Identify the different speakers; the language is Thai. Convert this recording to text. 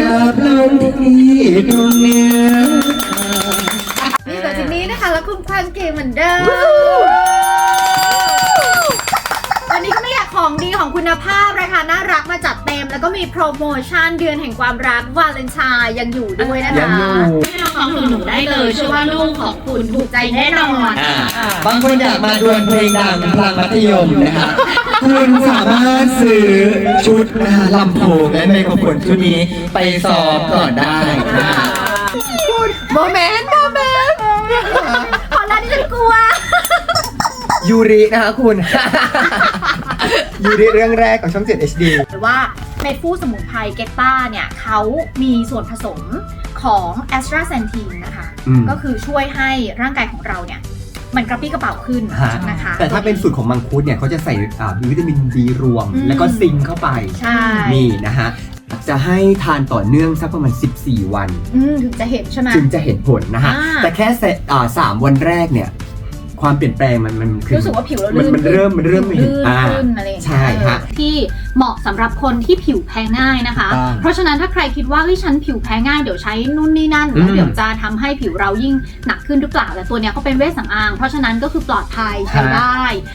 Speaker 1: บลงที่ตรงเนี้ย
Speaker 2: นี่กับจินนี่นะคะแล้วคุณความเก่งเหมือนเดิมวันนี้ก็ไม่อยากของดีของคุณภาพราคาน่ารักมาจัดเต็มแล้วก็มีโปรโมชั่นเดือนแห่งความรักวาเลนไทน์ยังอยู่ด้วยนะคะให้น้องๆหนูๆได้เลยเชื่อว่าลูกของคุณถูกใจแน่นอน
Speaker 1: บางคนอยากมาดวลเพลงดังพลังมัธยมนะคะคุณสามารถซื้อชุดนะคะลำโพงและไมโครโฟนชุดนี้ไปซ้อมก่อนได้นะคะโมเมนต์
Speaker 2: พอแล้วที่ฉันกลัว
Speaker 1: ยูรินะคะคุณ ยูริเรื่องแรกของช่อง 7 HD
Speaker 2: หรือว่าเม็ดฟูสมุนไพรเกตต้าเนี่ยเขามีส่วนผสมของแอสตราเซนทีนนะคะ ก็คือช่วยให้ร่างกายของเราเนี่ยมันกระปรี้กระเป๋าขึ้นนะคะ
Speaker 3: แต่ถ้าเป็นสูตรของมังคุดเนี่ยเขาจะใส่วิตามินดีรวม แล้วก็ซิงค์เข้าไป
Speaker 2: ใช่
Speaker 3: นี่นะฮะจะให้ทานต่อเนื่องสักประมาณ14 วัน
Speaker 2: ถึงจะเห็นใช่ไหม
Speaker 3: จึงจะเห็นผลนะฮะ แต่แค่3 วันแรกเนี่ยความเปลี่ยนแปลงมันคือ
Speaker 2: รู้สึกว่าผิวเราลื่น
Speaker 3: มันเริ่มเห็น
Speaker 2: ขึ้นอะไรอย่างเงี้ย
Speaker 3: ใช่ฮะ
Speaker 4: ที่เหมาะสำหรับคนที่ผิวแพ้ง่ายนะคะ เพราะฉะนั้นถ้าใครคิดว่าฉันผิวแพ้ง่ายเดี๋ยวใช้นู่นนี่นั่นแล้วเดี๋ยวจะทำให้ผิวเรายิ่งหนักขึ้นหรือเปล่าแต่ตัวเนี้ยเขาเป็นเวชสำอางเพราะฉะนั้นก็คือปลอดภัยใช้ได้